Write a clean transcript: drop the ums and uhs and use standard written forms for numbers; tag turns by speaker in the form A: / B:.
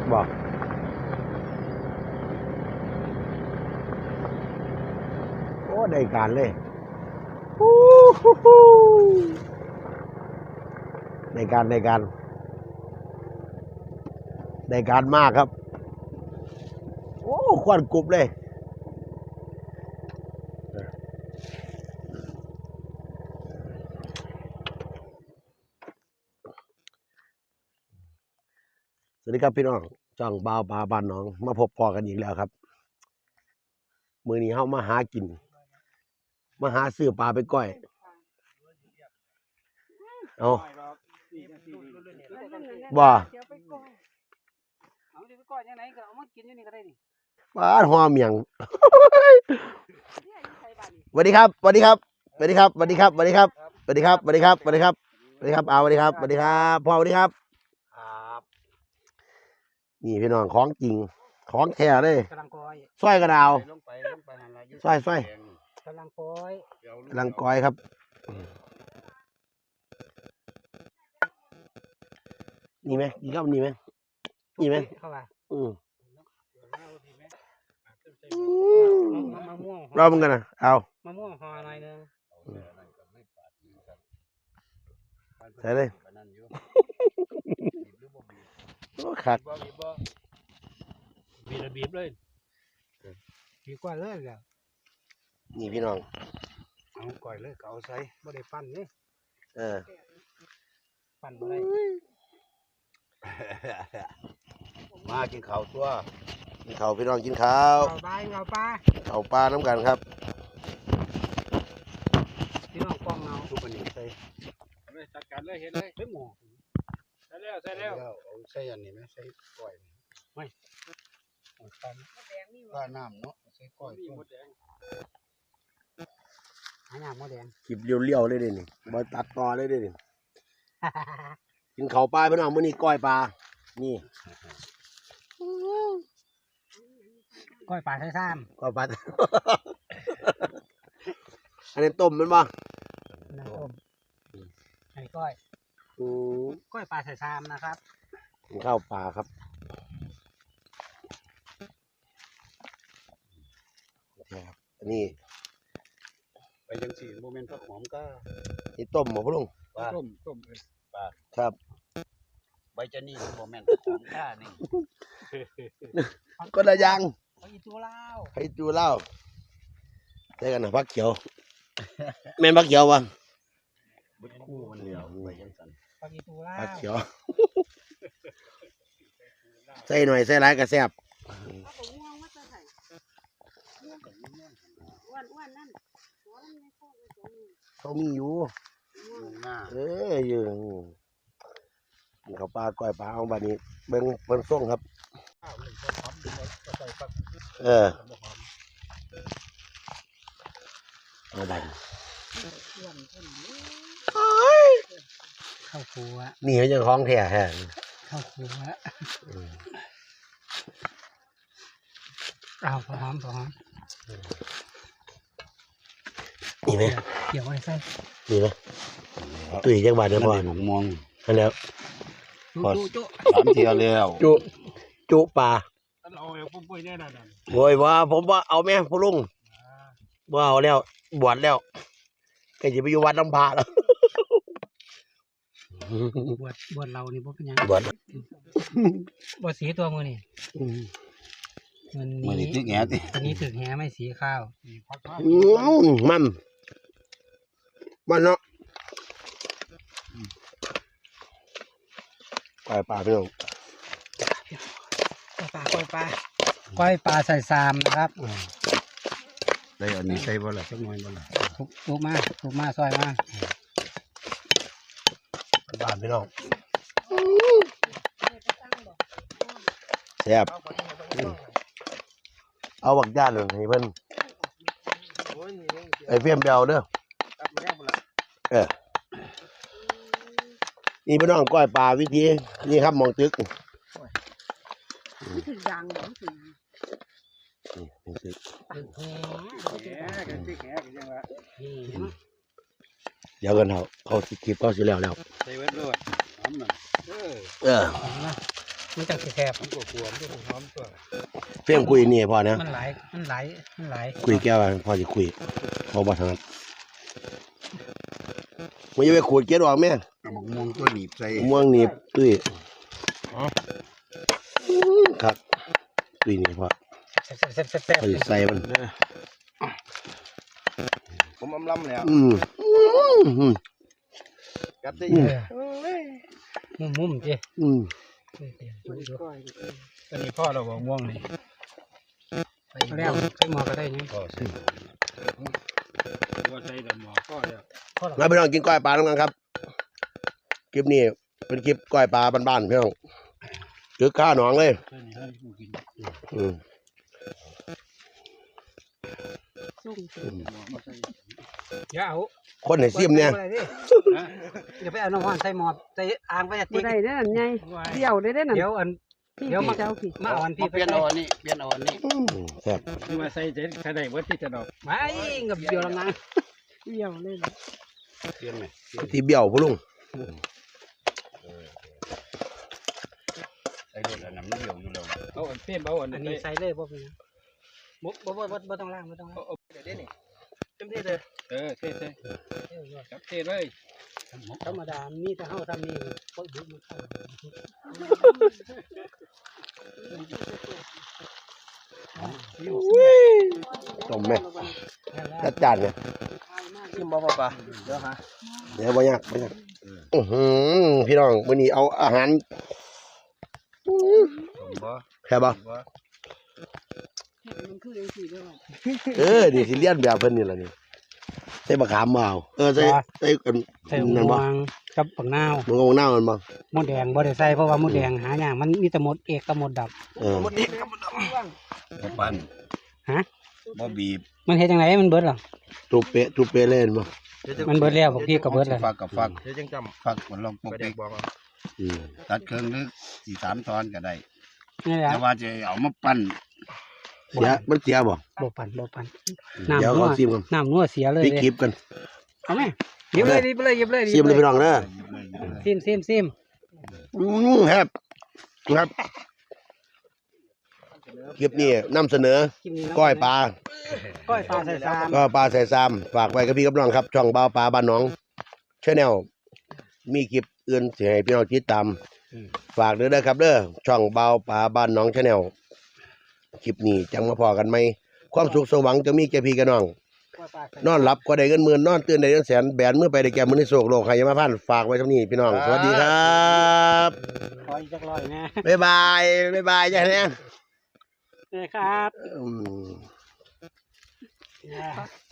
A: บอกโอ้ได้การเลยได้การมากครับโอ้ควันกรุบเลยสวัสดีครับพี่น้องจ้องบ่าวปลาบ้านน้องมาพบพอกันอีกแล้วครับมื้อนี้เฮามาหากินมาหาซื้อปลาไปก้อยเอาบ่ปลาหัวเมียงสวัสดีครับสวัสดีครับสวัสดีครับสวัสดีครับสวัสดีครับสวัสดีครับสวัสดีครับสวัสดีครับสวัสดีครับสวัสดีครับสวัสดีครับพ่อสวัสดีครับนี่พี่น้องของจริงของแท้เลยสร้อยกระดาวสร้อยกำลังก้อยครับนี่ไหมนี่ครับนี่ไหมนี่ไหมเราเหมือนกันนะเอามะม่วงห่อหน่อยนึงใส่เลยโอ้ขาดบีบเลยบีบกว่าเลยแล้วนี่พี่น้องเอาก่อยเลยเอาใส่ไม่ได้ปั้นนี่ปั้นอะไรมากินข้าวตัวกินข้าวพี่น้องกินข้าวข้าวปลาน้ำกันครับพี่น้องกล้องเงาทุกคนใส่จัดการเลยเห็นเลยหมูใส่แล้วเอาใส่อันนี้ไหมใส่ก้อยไม่ปลาน้ำเนาะใส่ก้อยหมดแดงหมดแดงคลิปเลี้ยวๆเลยดินี่บอตัดต่อเลยดิกินข้าวปลาพี่น้องมื้อนี้ก้อยปลานี่ก้อยปลาใส่ซ้ำก้อยปลาอันนี้ต้มมันบ่ต้มอันนี้ก้อยปลาใส่ซ้ำนะครับกินข้าวปลาครับอันนี้ไปยังสี่โมเมนต์ผักหอมก็นี่ต้มหมดพุ่งต้มปลาครับใบจะนี่โมเมนต์ผักหอมก้านี่ก็ได้ยังไข่จูเล่าใช่กันนะผักเขียวแม่นผักเขียววะบุญคู่มันเหลียวไปยังสันผักเขียวใส่หน่อยใส่หลายกระแซบเขามีอยู่อยู่เขาปลาก้อยปลาเอาแบบนี้เบิ้งส่งครับเอาแบบเข้าครัวนี่เขาจะคล้องแท้เข้าครัวเอาพอหอมนี่ไหมเกี่ยวไว้ใส่นี่ไหมตุ้ยจังหวัดเนี่ยพ่อมองแล้วพอ3 เที่ยวแล้วจุปลาโวยว่าผมว่าเอาแม่พ่อลุงว่าเอาแล้วบวชแล้วใครจะไปอยู่วัดลำพาแล้วบวชเรานี่พวกเป็นยังบวชสีตัวมือนี่มันนี้ถึกแหติอันนี้ถึกแหไม่สีข้าวมันเนาะก้อยปลาพี่น้องก้อยปลาใส่ซามนะครับได้อันนี้ใส่บ่ล่ะสักหน่อยบ่ล่ะทุกมาซอยมาบ้านพี่น้องแซ่บเอาบักย่านเลยให้เพิ่นไอ้เฟี้ยมเบลเด้อนี่พี่น้องก้อยปลาวิธีนี่ครับมองตึกถึงดังถึงเดี๋ยวกันเขาคลิปก็สิแล้วใส่เวทด้วย
B: มันจังสิแคบมันกลัวมันจะหอมตัว
A: เพียงคุยนี่พอนะ
B: มันหลาย
A: คุยแก้วพอจะคุยพอบ่ถนัดมันจะไปขูดเกล็ดออกไหมม่วงตัวหนีบใส่ม่วงหนีบตุ้ยครับตุ้ยนี่พอพอจะใส่มันผมล้ำแล้วกับได้
B: มุมจีตอนนี้พ่อเราบอกม่วงนี่แล้วใส่หมอก็ได้ยังพ่อใส่ว่าใส่แต่หมอพ่อแล้ว
A: มาพี่น้องกินก้อยปลาแล้วกันครับคลิปนี้เป็นคลิปก้อยปลาบ้านๆพี่น้องคือข้าหนองเลย
B: อย่าเอา
A: คนไหนซิมเนี่ย
B: อย่าไปเอาน้ำมันใส่หมอใส่อ่างไปจะ
C: ตีได้เด้อไงเดี่ยวได้นั่น
B: เดี๋ยวมา
C: เจ้าพี่
B: มาอ่อนพี่
A: เปลี่ยนอ่อนนี่แซ่บ
B: มาใส่เจ๊ใส่ได้เบิดที่จะดอกไม่กับเดียวละนะ
C: เดี่ยวเลย
A: เปลี่ยนไหมที่เบี้ยวพุ่ลุงใส่เลยน้ำเบี้ยวอยู่แล้ว
B: เอาอันเปลี่ยนเอาอันนี้ใส่เลยบ่เป็นบ่ต้องล้างบ่ต้องล้างเดี๋ยวนี้เต็มที่เลยเท่จับเท่เลยธรรมดามีแต่เฮาทำนี่ก็ยุบมันเข้า
A: ต้มไหมจัดจานเนี่ย
B: ชิมบ่ปะเดี๋ยวฮะ
A: เดี๋ยวบ่ยากพี่น้องวันนี้เอาอาหารแค่บ่นี่สิเลียนแบบเพิ่นนี่ล่ะนี่ใส่มะขามมาเอาใส่
B: นั่นบ่กับปังนาว
A: มันก็ปังนาวมันบ่
B: มดแดงบ่ได้ใส่เพราะว่ามดแดงหายากมันมีแต่มดเอกกับมดดำ
A: มดเอกกับมดดำบ่ปั่น
B: ฮะ
A: บ่บีบ
B: มันเฮ็ดจังไดมันเบิดหรอ
A: ทุบเปะเล่นบ่
B: มันเบิดแล้วพวกพี่ก็เบิดแล้ว
A: ฟักกับฟักเฮ็ดจังจำฟักมันลองปกติตัดเครื่องนึก4-3 ตอนก็ได้แต่ว่าจะเอามาปั่นมันเสียบ่
B: ปั่น
A: เดี๋ยวเอาซิมกัน
B: น้ำนัวเสียเลย
A: พี่คลิปกัน
B: เอาไหมหยิบเลย
A: ซิมเลยพี่น้องนะ
B: ซิม
A: ครับคลิปนี้นำเสนอก้อยปลา
B: ใส่ซาม
A: ก็ปลาใส่ซามฝากไว้กับพี่กับน้องครับช่องบ่าวปลาบ้านน้องChannelมีคลิปอื่นสิให้พี่น้องติดตามฝากด้วยนะครับเด้อช่องบ่าวปลาบ้านน้องChannelคลิปนี้จังมาพอกันไหมความสุขสว่างจะมีแก่พี่กับน้องนอนหลับก็ได้เงินหมื่นนอนตื่นได้เงินแสนแบนเมื่อไปได้แก่มือในโศกโลกใครจะมาพันฝากไว้เท่านี้พี่น้องสวัสดีครับ
B: ขออีกจักร้อยนะ
A: บ๊ายบายจ้ะเนี่ย
B: ครับ